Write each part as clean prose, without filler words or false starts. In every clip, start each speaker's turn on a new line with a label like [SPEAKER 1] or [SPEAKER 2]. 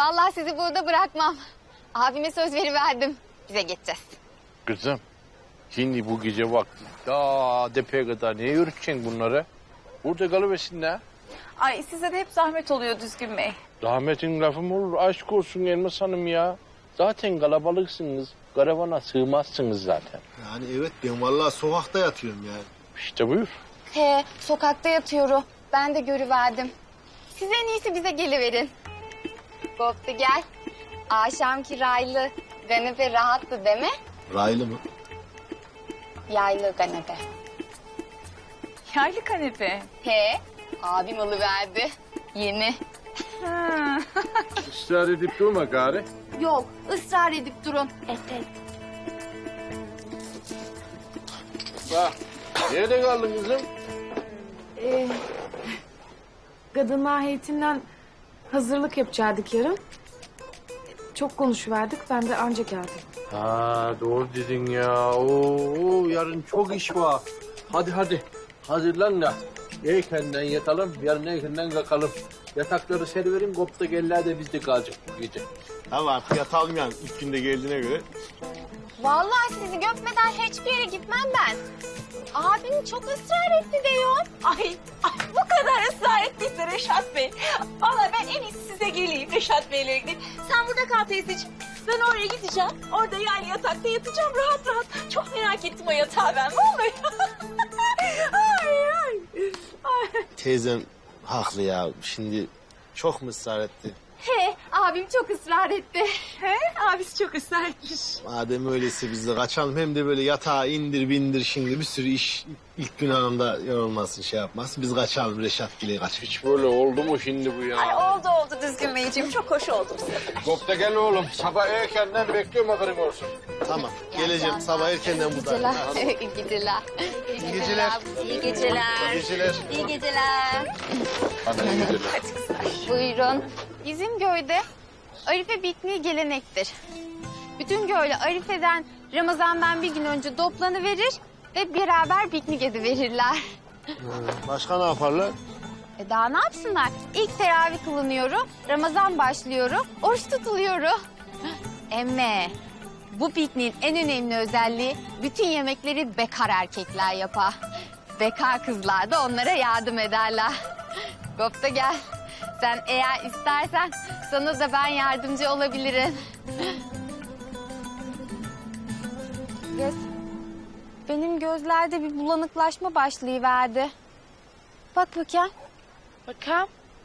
[SPEAKER 1] Vallahi sizi burada bırakmam. Abime söz veriverdim. Bize geçeceğiz.
[SPEAKER 2] Kızım, şimdi bu gece vakti daha depeye kadar niye yürüteceksin bunları? Burada kalıversinler.
[SPEAKER 3] Ay size de hep zahmet oluyor Düzgün Bey.
[SPEAKER 2] Rahmetin lafı mı olur? Aşk olsun Elmas Hanım ya. Zaten kalabalıksınız. Karavana sığmazsınız zaten.
[SPEAKER 4] Yani evet ben vallahi sokakta yatıyorum yani.
[SPEAKER 2] İşte buyur.
[SPEAKER 1] He, sokakta yatıyorum. Ben de görüverdim. Siz en iyisi bize geliverin. Koptu gel. Akşam kiraylı kanepe rahattı değil mi?
[SPEAKER 4] Raylı mı?
[SPEAKER 1] Yaylı kanepe.
[SPEAKER 3] Yaylı kanepe.
[SPEAKER 1] He, abim alıverdi. Yeni.
[SPEAKER 3] Ha.
[SPEAKER 2] Israr edip durma gari.
[SPEAKER 1] Yok, ısrar edip durun. Evet.
[SPEAKER 2] Bak, nerede kaldın kızım?
[SPEAKER 5] Kadınlar heyetinden hazırlık yapacaktık yarın. Çok konuşuverdik, ben de anca geldim.
[SPEAKER 2] Ha doğru dedin ya. Oo, yarın çok iş var. Hadi. Hazırlan da. Erkenden yatalım, yarın erkenden kalkalım. Yatakları seriverin, kopta geller de bizde kalacak bu gece.
[SPEAKER 4] Tamam artık yatalım yani ilk günde geldiğine göre.
[SPEAKER 1] Vallahi sizi göpmeden hiçbir yere gitmem ben. Abim çok ısrar etti diyor.
[SPEAKER 3] Ay bu kadar ısrar ettiyse Reşat Bey. Vallahi ben en iyisi size geleyim Reşat Bey'le gideyim. Sen burada kal teyzeciğim. Ben oraya gideceğim. Orada yani yatakta yatacağım rahat rahat. Çok merak ettim o yatağı ben. Ne olur. ay.
[SPEAKER 4] Teyzem haklı ya. Şimdi çok mu ısrar etti?
[SPEAKER 1] He, abim çok ısrar etti.
[SPEAKER 3] He, abisi çok ısrar etmiş.
[SPEAKER 4] Madem öyleyse biz de kaçalım. Hem de böyle yatağa indir bindir şimdi bir sürü iş ilk gün hanımda yorulmasın şey yapmasın. Biz kaçalım Reşat Gil'e kaçalım.
[SPEAKER 2] Hiç böyle oldu mu şimdi bu ya?
[SPEAKER 3] Ay oldu Düzgün Beyciğim. Çok hoş oldu bu sefer.
[SPEAKER 2] Kopta gel oğlum. Sabah erkenden bekliyorum haberin olsun.
[SPEAKER 4] Tamam geleceğim sabah erkenden buradayım.
[SPEAKER 1] İyi geceler.
[SPEAKER 4] İyi geceler.
[SPEAKER 1] İyi geceler.
[SPEAKER 4] İyi geceler.
[SPEAKER 1] İyi geceler.
[SPEAKER 2] Hadi iyi geceler.
[SPEAKER 1] Buyurun. Bizim köyde Arife pikniği gelenektir. Bütün köylü Arife'den Ramazan'dan bir gün önce toplanıverir ve beraber piknik ediverirler.
[SPEAKER 4] Başka ne yaparlar?
[SPEAKER 1] Daha ne yapsınlar? İlk teravih kılınıyor, Ramazan başlıyor, oruç tutuluyor. Emme, bu pikniğin en önemli özelliği bütün yemekleri bekar erkekler yapar. Bekar kızlar da onlara yardım ederler. Kopta gel. Sen eğer istersen sana da ben yardımcı olabilirim. Benim gözlerde bir bulanıklaşma başlayıverdi. Bak bakayım.
[SPEAKER 5] Bakalım.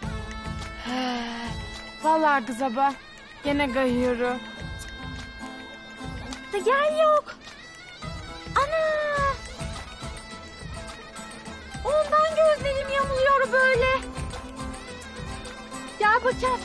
[SPEAKER 5] Vallahi kız abla, gene kayıyorum.
[SPEAKER 1] Da gel yok. Ana! Ondan gözlerim yamuluyor böyle. Gel bakayım.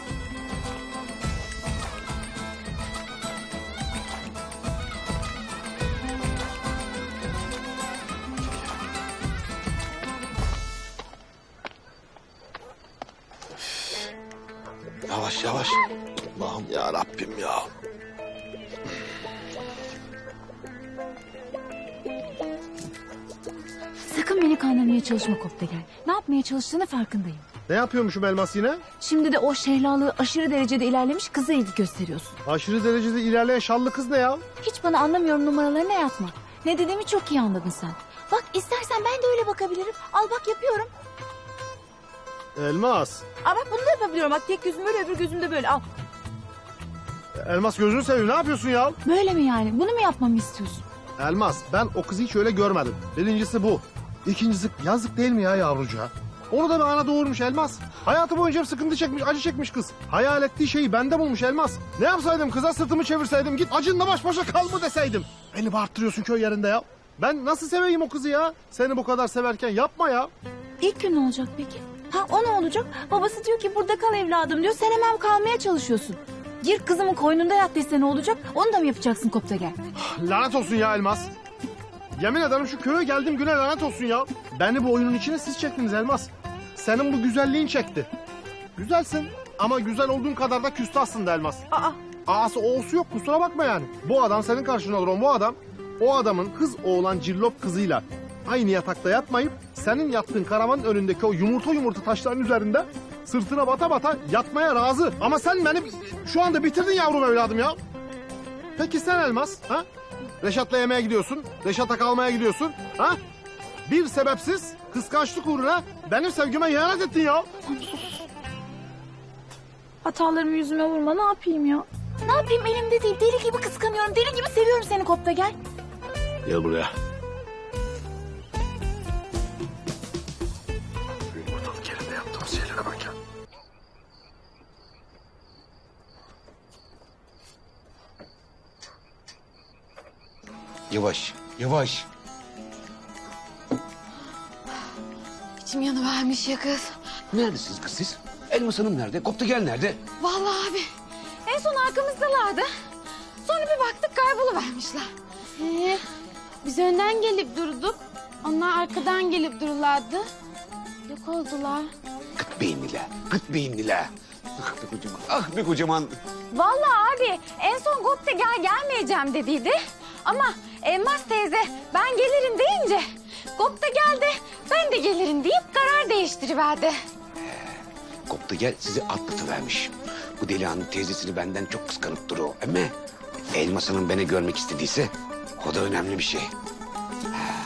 [SPEAKER 4] Yavaş yavaş. Allah'ım ya Rabbim ya.
[SPEAKER 6] Sakın beni kandırmaya çalışma Koptegel. Ne yapmaya çalıştığını farkındayım.
[SPEAKER 4] Ne yapıyormuşum Elmas yine?
[SPEAKER 6] Şimdi de o şehlalığı aşırı derecede ilerlemiş kıza ilgi gösteriyorsun.
[SPEAKER 4] Aşırı derecede ilerleyen şallı kız ne ya?
[SPEAKER 6] Hiç bana anlamıyorum numaralarına yatma. Ne dediğimi çok iyi anladın sen. Bak istersen ben de öyle bakabilirim. Al bak yapıyorum.
[SPEAKER 4] Elmas.
[SPEAKER 6] Aa bak bunu da yapabiliyorum. Bak tek gözüm böyle öbür gözüm de böyle. Al.
[SPEAKER 4] Elmas gözünü seveyim ne yapıyorsun ya?
[SPEAKER 6] Böyle mi yani? Bunu mu yapmamı istiyorsun?
[SPEAKER 4] Elmas ben o kızı hiç öyle görmedim. Birincisi bu. İkincisi yazık değil mi ya yavrucuğa? Onu da bir ana doğurmuş Elmas. Hayatı boyunca hep sıkıntı çekmiş, acı çekmiş kız. Hayal ettiği şeyi bende bulmuş Elmas. Ne yapsaydım kıza sırtımı çevirseydim git acınla baş başa kal mı deseydim. Beni bağırttırıyorsun köy yerinde ya. Ben nasıl seveyim o kızı ya? Seni bu kadar severken yapma ya.
[SPEAKER 6] İlk gün ne olacak peki? Ha o ne olacak? Babası diyor ki burada kal evladım diyor. Sen hemen kalmaya çalışıyorsun. Gir kızımın koynunda yat dese ne olacak? Onu da mı yapacaksın Koptegel?
[SPEAKER 4] Lanet olsun ya Elmas. Yemin ederim şu köye geldiğim güne lanet olsun ya. Beni bu oyunun içine siz çektiniz Elmas. Senin bu güzelliğin çekti. Güzelsin ama güzel olduğun kadar da küstahsın da Elmas. A'sı O'su yok kusura bakma yani. Bu adam senin karşına duran bu adam. O adamın kız oğlan cillop kızıyla aynı yatakta yatmayıp senin yattığın karavanın önündeki o yumurta taşların üzerinde sırtına bata bata yatmaya razı. Ama sen beni şu anda bitirdin yavrum evladım ya. Peki sen Elmas, ha? Reşat'la yemeğe gidiyorsun, Reşat'a kalmaya gidiyorsun, ha? Bir sebepsiz kıskançlık uğruna benim sevgime ihanet ettin ya.
[SPEAKER 6] Hatalarımı yüzüme vurma, ne yapayım ya? Ne yapayım, elimde değil. Deli gibi kıskanıyorum, deli gibi seviyorum seni Kopta gel.
[SPEAKER 4] Gel buraya. Şu yumurtalık yerinde yaptığımız şeylere bak ya.
[SPEAKER 7] Yavaş, yavaş.
[SPEAKER 1] İçim yanıvermiş ya kız.
[SPEAKER 7] Neredesiniz kız siz? Elmas Hanım nerede? Kopta gel nerede?
[SPEAKER 1] Vallahi abi en son arkamızdalardı. Sonra bir baktık kayboluvermişler. Biz önden gelip durduk. Onlar arkadan gelip dururlardı. Yok oldular.
[SPEAKER 7] Kıt beyinliler, kıt beyinliler. Ah be kocaman, ah be kocaman.
[SPEAKER 1] Vallahi abi en son Gopte gelmeyeceğim dediydi. Ama Elmas teyze ben gelirim deyince Gopte geldi ben de gelirim deyip karar değiştiriverdi.
[SPEAKER 7] Kopta gel sizi atlatıvermiş. Bu delihanlı teyzesini benden çok kıskanıp duruyor. Ama Elmas Hanım beni görmek istediyse o da önemli bir şey. Ha,